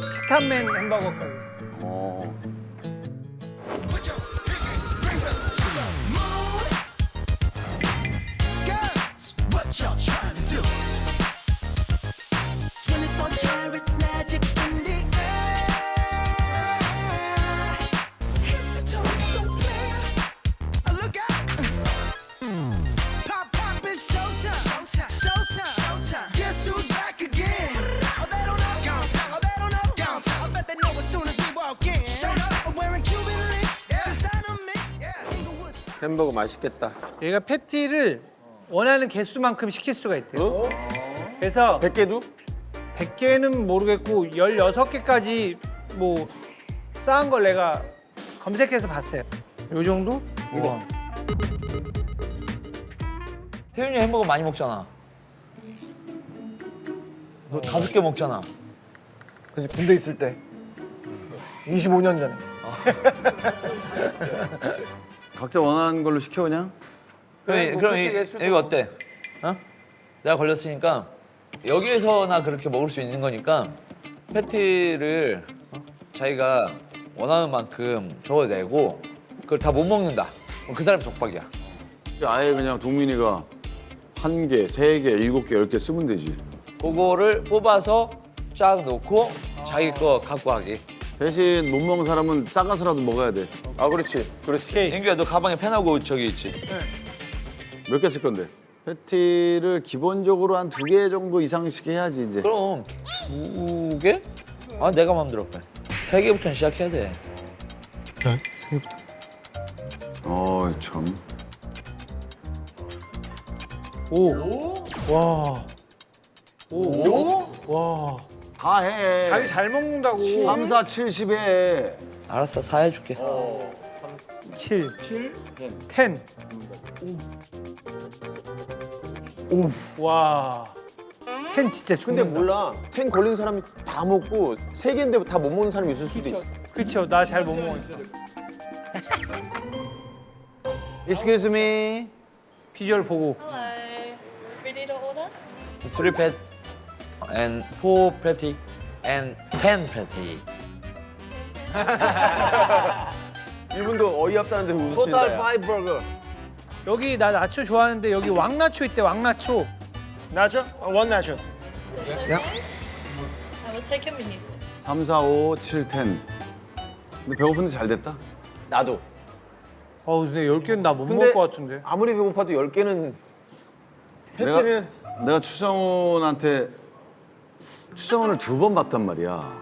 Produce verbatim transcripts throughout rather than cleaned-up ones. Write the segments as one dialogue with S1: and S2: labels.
S1: 식탐맨 햄버거 가게.
S2: 어.
S3: 햄버거 맛있겠다.
S1: 얘가 패티를 원하는 개수만큼 시킬 수가 있대요. 그래서
S3: 백 개도?
S1: 백 개는 모르겠고 열여섯 개까지 뭐 쌓은 걸 내가 검색해서 봤어요. 요 정도?
S4: 우와. 태윤이 햄버거 많이 먹잖아. 너 다섯 개 먹잖아.
S5: 그래서 군대 있을 때 이십오 년 전에.
S2: 각자 원하는 걸로 시켜 그냥?
S4: 그럼,
S3: 뭐
S4: 그럼 이,
S3: 그때 예술도
S4: 이거 어때? 어? 내가 걸렸으니까 여기에서나 그렇게 먹을 수 있는 거니까 패티를 어? 자기가 원하는 만큼 적어내고 그걸 다 못 먹는다. 그럼 그 사람 독박이야.
S2: 아예 그냥 동민이가 한 개, 세 개, 일곱 개, 열 개 쓰면 되지.
S4: 그거를 뽑아서 쫙 놓고 자기 거 갖고 가기.
S2: 대신 못 먹는 사람은 싸가서라도 먹어야 돼.
S3: 아 그렇지, 그렇지.
S1: 오케이.
S4: 인규야 너 가방에 펜하고 저기 있지?
S2: 몇 개 쓸 건데? 패티를 기본적으로 한 두 개 정도 이상씩 해야지 이제.
S4: 그럼 두 개? 아 내가 마음대로 그래. 세 개부터는 시작해야 돼.
S2: 어 참.
S5: 오. 와. 오. 와.
S2: 다 해.
S1: 자기 잘 먹는다고.
S2: 삼, 사, 칠, 십 해.
S4: 알았어 사해줄게.
S1: 칠, 텐. 오. 와. 텐 진짜
S3: 근데
S1: 죽는다.
S3: 몰라. 텐 걸린 사람이 다 먹고 세 개인데 다 못 먹는 사람이 있을 수도 있어.
S1: 그쵸, 나 잘 못 먹었어.
S2: Excuse me.
S1: 비주얼 보고.
S6: Hello. Ready to order?
S4: Three pat and four patty and ten patty.
S3: 이분도 어이없다는데 웃으신다.
S2: Total
S3: 야.
S2: five burger.
S1: 여기 나 나초 좋아하는데 여기 왕나초 있대, 왕나초.
S5: 나죠? 원 나죠.
S6: It's okay. I will take your menu. sir.
S2: 삼, 사, 오, 칠, 텐. 근데 배고픈데 잘 됐다.
S3: 나도.
S1: 어우, 근데 열 개는 나 못
S3: 근데
S1: 먹을 것 같은데.
S3: 아무리 배고파도 열 개는
S2: 내가,
S3: 패티는
S2: 내가 추성훈한테 추성훈을 두 번 봤단 말이야.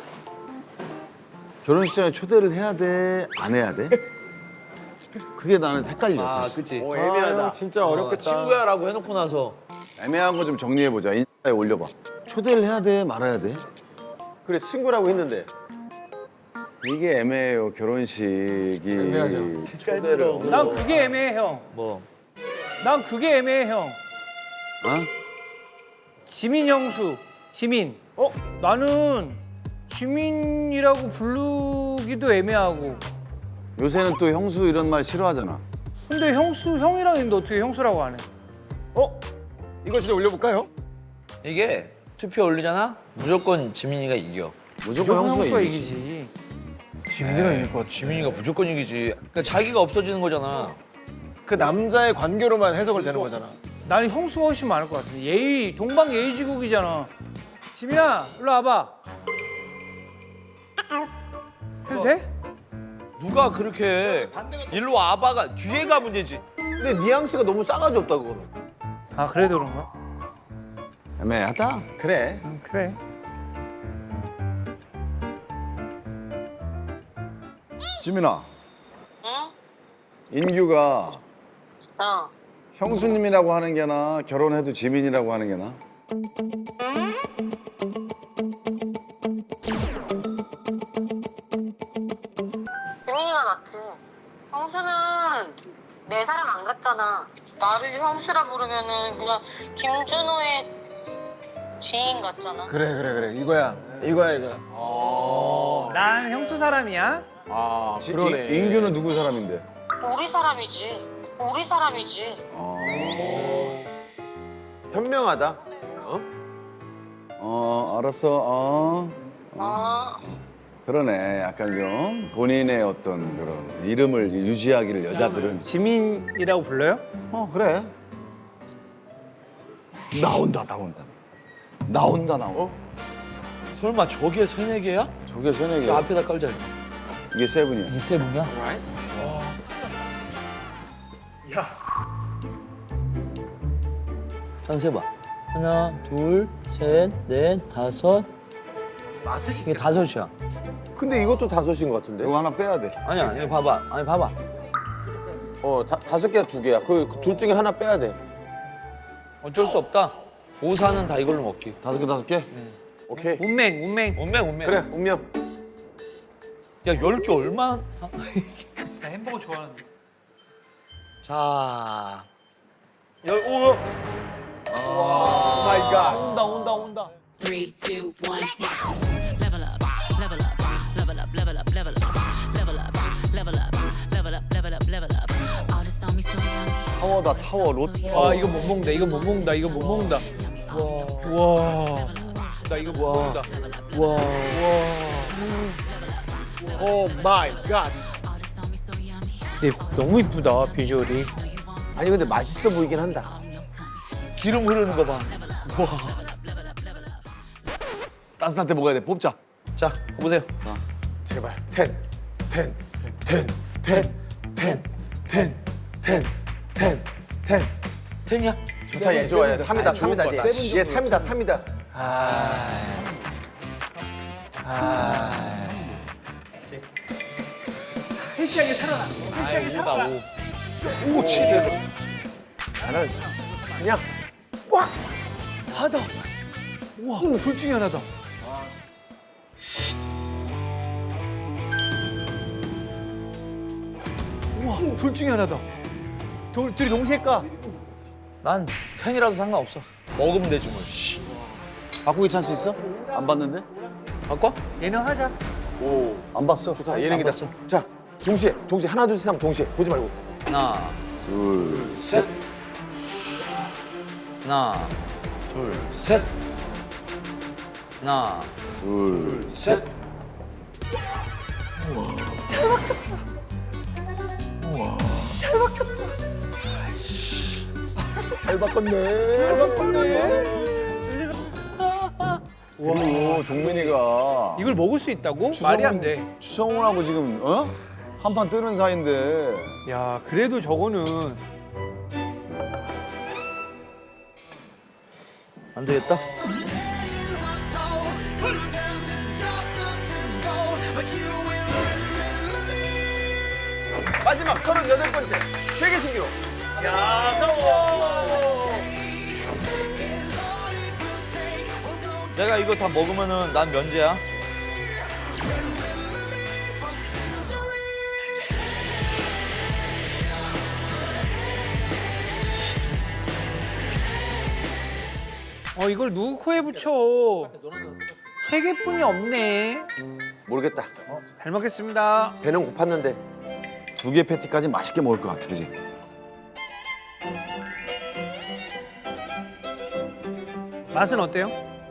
S2: 결혼식장에 초대를 해야 돼? 안 해야 돼? 그게 나는 헷갈렸어.
S4: 아 그치.
S3: 어,
S5: 아,
S3: 애매하다.
S5: 형 진짜 어렵겠다.
S4: 친구야라고 해놓고 나서
S2: 애매한 거 좀 정리해보자. 인스타에 올려봐. 초대를 해야 돼? 말아야 돼?
S3: 그래 친구라고 했는데
S2: 이게 애매해요. 결혼식이.
S3: 애매하죠.
S2: 초대를.
S1: 난 그게 애매해, 형.
S4: 뭐
S1: 난 그게 애매해, 형.
S2: 어?
S1: 지민 형수, 지민.
S3: 어?
S1: 나는 지민이라고 부르기도 애매하고.
S2: 요새는 또 형수 이런 말 싫어하잖아.
S1: 근데 형수, 형이랑 있는데 어떻게 형수라고 안 해?
S5: 어? 이거 진짜 올려볼까요?
S4: 이게 투표 올리잖아? 무조건 지민이가 이겨.
S2: 무조건,
S1: 무조건 형수가
S2: 이기지.
S1: 이기지.
S5: 지민이가 이길 것 같아.
S4: 지민이가 무조건 이기지. 그러니까 자기가 없어지는 거잖아.
S5: 그 남자의 관계로만 해석을 되는 거잖아.
S1: 나는 형수가 훨씬 많을 것 같아. 예의, 동방 예의지국이잖아. 지민아, 일로 와봐. 해도 돼?
S4: 누가 그렇게 일로 와봐가 뒤에가 문제지.
S3: 근데 뉘앙스가 너무 싸가지 없다 그거는.
S1: 아, 그래도 그런가?
S2: 애매하다.
S3: 그래.
S1: 음, 그래.
S2: 지민아,
S6: 응?
S2: 인규가
S6: 어.
S2: 형수님이라고 하는 게 나, 결혼해도 지민이라고 하는 게 나?
S6: 지민이가 낫지. 형수는 내 사람 안 같잖아. 나를 형수라 부르면은 그냥 김준호의 지인 같잖아.
S5: 그래 그래 그래 이거야 이거야 이거야.
S1: 난 형수 사람이야.
S3: 아
S2: 지-
S3: 그러네.
S2: 인- 인규는 누구 사람인데?
S6: 우리 사람이지. 우리 사람이지.
S3: 현명하다. 어?
S2: 어, 알았어. 어. 그러네. 약간 좀 본인의 어떤 그런 이름을 유지하기를 여자들은.
S1: 지민이라고 불러요?
S2: 어 그래. 나온다 나온다. 나온다 나온다.
S4: 설마 저게 세네 개야?
S2: 저게 세네 개.
S4: 저 앞에다 깔자.
S2: 이게 세븐이야.
S4: 이 세븐이야? 한 세봐. 하나, 둘, 셋, 넷, 다섯. 이게 다섯이야.
S3: 근데 이것도 다섯인 것 같은데?
S2: 이거 하나 빼야 돼.
S4: 아니야, 이거 봐봐. 아니 봐봐.
S3: 어, 다, 다섯 개야 두 개야. 그 둘 중에 하나 빼야 돼.
S4: 어쩔 수 없다. 오사는 다 이걸로 먹기.
S2: 다섯 개 다섯 개.
S3: 오케이.
S1: 운맹, 운맹.
S4: 운명 운명.
S3: 그래, 운명.
S4: 야, 열 개 얼마?
S1: 나 햄버거 좋아하는데.
S4: 자.
S1: 열, 오!
S3: 마이 갓.
S1: 온다, 온다, 온다.
S7: Three, two, one, level up, level up, level up, level up, level up, level up, level up, level up, level up, level up. All this on me so yummy.
S2: 타워다 타워 롯.
S1: 아, 이거 못 먹는다, 이거 못 먹는다, 이거 못 먹는다. 와. 나 이거 못 먹는다.
S5: 와. 오 마이 갓.
S7: All this on me so yummy.
S1: 근데 너무 이쁘다, 비주얼이.
S3: 아니 근데 맛있어 보이긴 한다.
S4: 기름 흐르는 거 봐.
S2: 따뜻할 때 먹어야 돼. 뽑자.
S4: 자, 보세요.
S3: 제발. 텐, 텐, 텐, 텐, 텐, 텐, 텐, 텐, 텐.
S4: 텐이야?
S3: 좋다, 얘 좋아. 얘 삼이다, 삼이다.
S2: 세븐
S3: 얘.
S2: 정도
S3: 얘 삼이다, 삼이다.
S1: 헬시하게 살아나. 헬시하게 살아나.
S3: 오, 진짜. 나는 그냥 꽉 사다.
S1: 와, 둘 중에 하나다. 와, 둘 중에 하나다. 둘, 둘이 동시에 까.
S4: 난 텐이라도 상관없어. 먹으면 되지 뭐. 씨.
S2: 바꾸기 찬스 있어? 안 봤는데?
S4: 바꿔?
S1: 얘는 하자.
S3: 오,
S2: 안 봤어.
S3: 좋다. 예능이다.
S4: 봤어.
S3: 자, 동시에, 동시에 하나 둘 셋 하면 동시에 보지 말고.
S4: 하나,
S2: 둘.
S4: 셋. 하나, 둘, 셋. 하나,
S2: 둘.
S4: 셋.
S3: 잘 바꿨네. 잘 바꿨네.
S2: 오 동민이가
S1: 이걸 먹을 수 있다고? 말이 안 돼.
S2: 추성훈하고 지금 어? 한판 뜨는 사이인데.
S1: 야, 그래도 저거는
S4: 안 되겠다.
S3: 마지막 서른여덟 번째 세계 신기록.
S4: 내가 이거 다 먹으면은 난 면제야.
S1: 어, 이걸 누구 코에 붙여? 세 개뿐이 없네.
S3: 모르겠다.
S1: 잘 먹겠습니다.
S3: 배는 고팠는데.
S2: 두 개 패티까지 맛있게 먹을 것 같아, 그지?
S1: 맛은 어때요?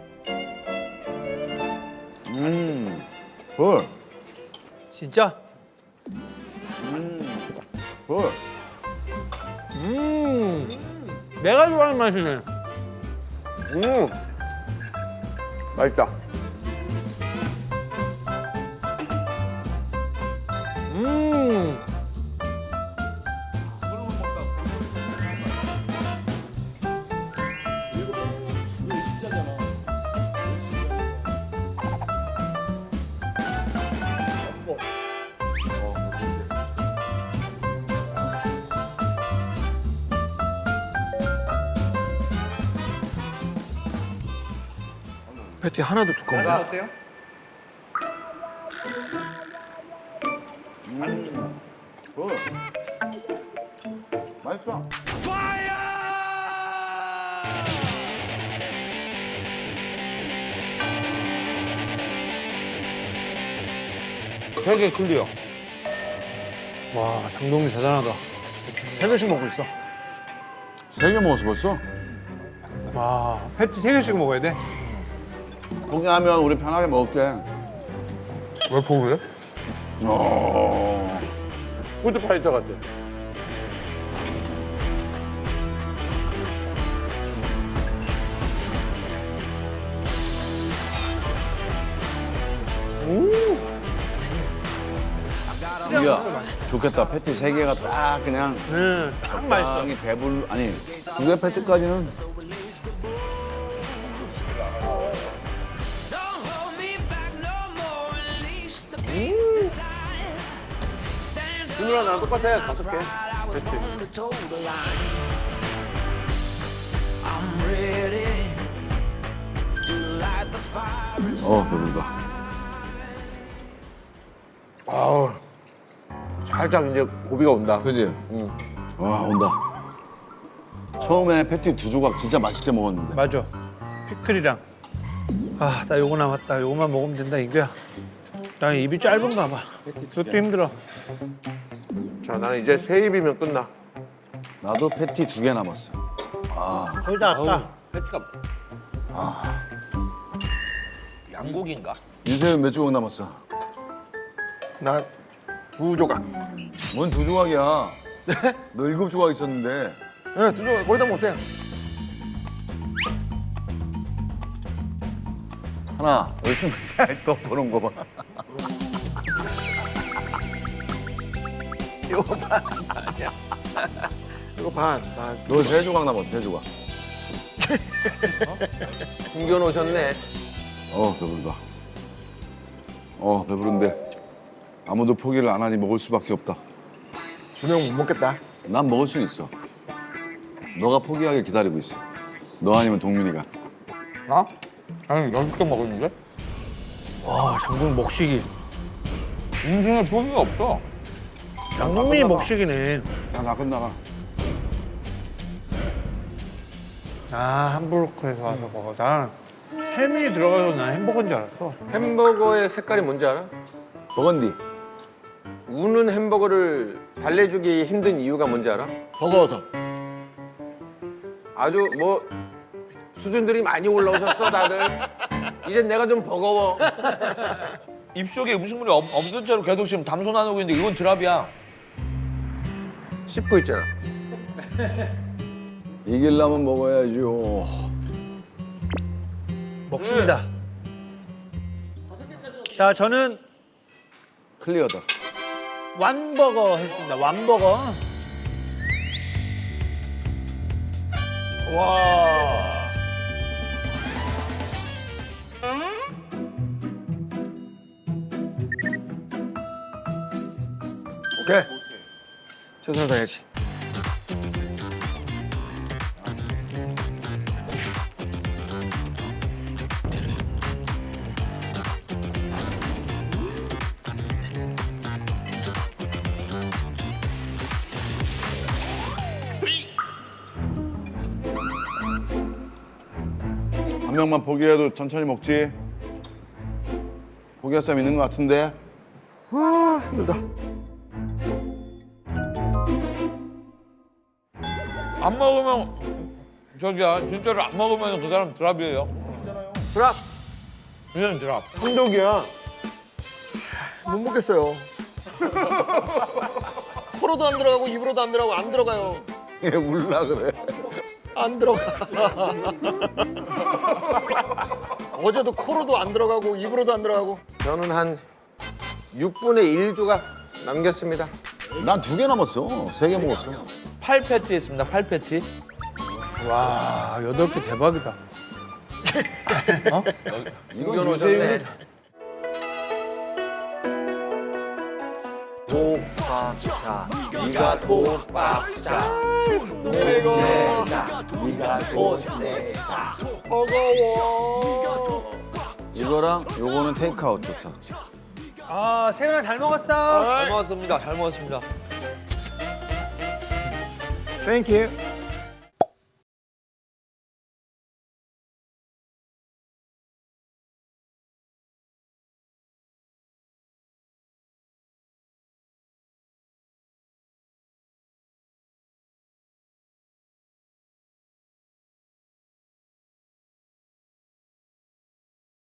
S2: 음, 헐,
S1: 진짜?
S2: 헐.
S1: 음, 내가 좋아하는 맛이네.
S3: 음, 맛있다.
S1: 음.
S5: 패티 하나도 두꺼운
S1: 맛은
S5: 거.
S1: 어때요?
S2: 헐. 맛있어.
S4: 세 개 클리어.
S1: 와, 장동민 대단하다.
S5: 세 개씩 먹고 있어.
S2: 세 개 먹었어 벌써?
S1: 와, 패티 세 개씩 먹어야 돼?
S2: 포기하면 우리 편하게 먹을게.
S4: 왜 고르래?
S2: 어.
S3: 푸드파이터 같아.
S2: 야, 좋겠다. 패티 세 개가 딱 그냥
S1: 음, 딱 맛있어.
S2: 적당히 배불 아니 두 개 패티까지는
S3: 준우랑 나랑 똑같아. 다섯 개. 패티.
S2: 어 배부르다.
S3: 아우. 살짝 이제 고비가 온다.
S2: 그지? 응. 와 온다. 처음에 패티 두 조각 진짜 맛있게 먹었는데.
S1: 맞아. 피클이랑. 아, 나 요거 남았다. 요거만 먹으면 된다, 이거야. 나 입이 짧은가 봐. 그것도 힘들어.
S3: 자, 나는 이제 세 입이면 끝나.
S2: 나도 패티 두 개 남았어.
S1: 거의 다 왔다.
S4: 패티가 아 양고기인가?
S2: 윤세윤 몇 조각 남았어?
S5: 나 두 조각.
S2: 뭔 두 조각이야? 너 일곱 조각 있었는데.
S5: 네, 두 조각 거의 다 먹었어요.
S2: 하나 열심히 잘또 보는 거 봐.
S5: 이거 반 아니야. 이거 반. 반.
S2: 너 세 조각 남았어 세 조각.
S3: 숨겨놓으셨네.
S2: 어 배부르다. 어 배부른데 아무도 포기를 안 하니 먹을 수밖에 없다.
S5: 준호 형 못 먹겠다.
S2: 난 먹을 수 있어. 너가 포기하길 기다리고 있어. 너 아니면 동민이가.
S4: 나? 아니 여섯 개 먹었는데?
S1: 와, 장군 먹식이.
S4: 인생에 포기가 없어.
S1: 장군이 먹식이네.
S2: 야 나 끝나가.
S1: 아, 함부르크에서 와서 먹어. 난 햄이 들어가서 난 햄버거인 줄 알았어.
S3: 햄버거의 색깔이 뭔지 알아?
S2: 버건디.
S3: 우는 햄버거를 달래주기 힘든 이유가 뭔지 알아?
S5: 버거워서.
S3: 아주 뭐 수준들이 많이 올라오셨어 다들. 이젠 내가 좀 버거워.
S4: 입속에 음식물이 없, 없는 채로 계속 지금 담소 나누고 있는데 이건 드랍이야.
S3: 씹고 있잖아.
S2: 이기려면 먹어야죠.
S1: 먹습니다. 자, 저는
S2: 클리어다.
S1: 완버거 했습니다. 완버거. 와.
S5: 오케이. 최선을 다해야지.
S2: 한 명만 포기해도 천천히 먹지. 포기할 사람 있는 것 같은데.
S5: 와 힘들다.
S4: 안 먹으면 저기야 진짜로 안 먹으면 그 사람 드랍이에요.
S3: 드랍.
S4: 그냥 드랍.
S3: 한독이야.
S5: 못 먹겠어요.
S8: 코로도 안 들어가고 입으로도 안 들어가고 안 들어가요.
S2: 얘 울라 그래.
S8: 안 들어가. 어제도 코로도 안 들어가고 입으로도 안 들어가고.
S3: 저는 한 육분의 일 조각 남겼습니다.
S2: 난 두 개 남았어. 세 개 먹었어.
S4: 팔 패티 했습니다. 팔 패티.
S1: 와, 여덟 개 대박이다.
S2: 이건
S3: 숨겨놓으셨네.
S2: 유세윤이
S3: 독박자. 네가 독박자.
S2: 네가
S3: 꽃내자.
S8: 버거워.
S2: 이거랑 요거는 테이크아웃 좋다.
S1: 아, 세윤아 잘 먹었어.
S4: 잘 먹었습니다. 잘 먹었습니다.
S5: 땡큐.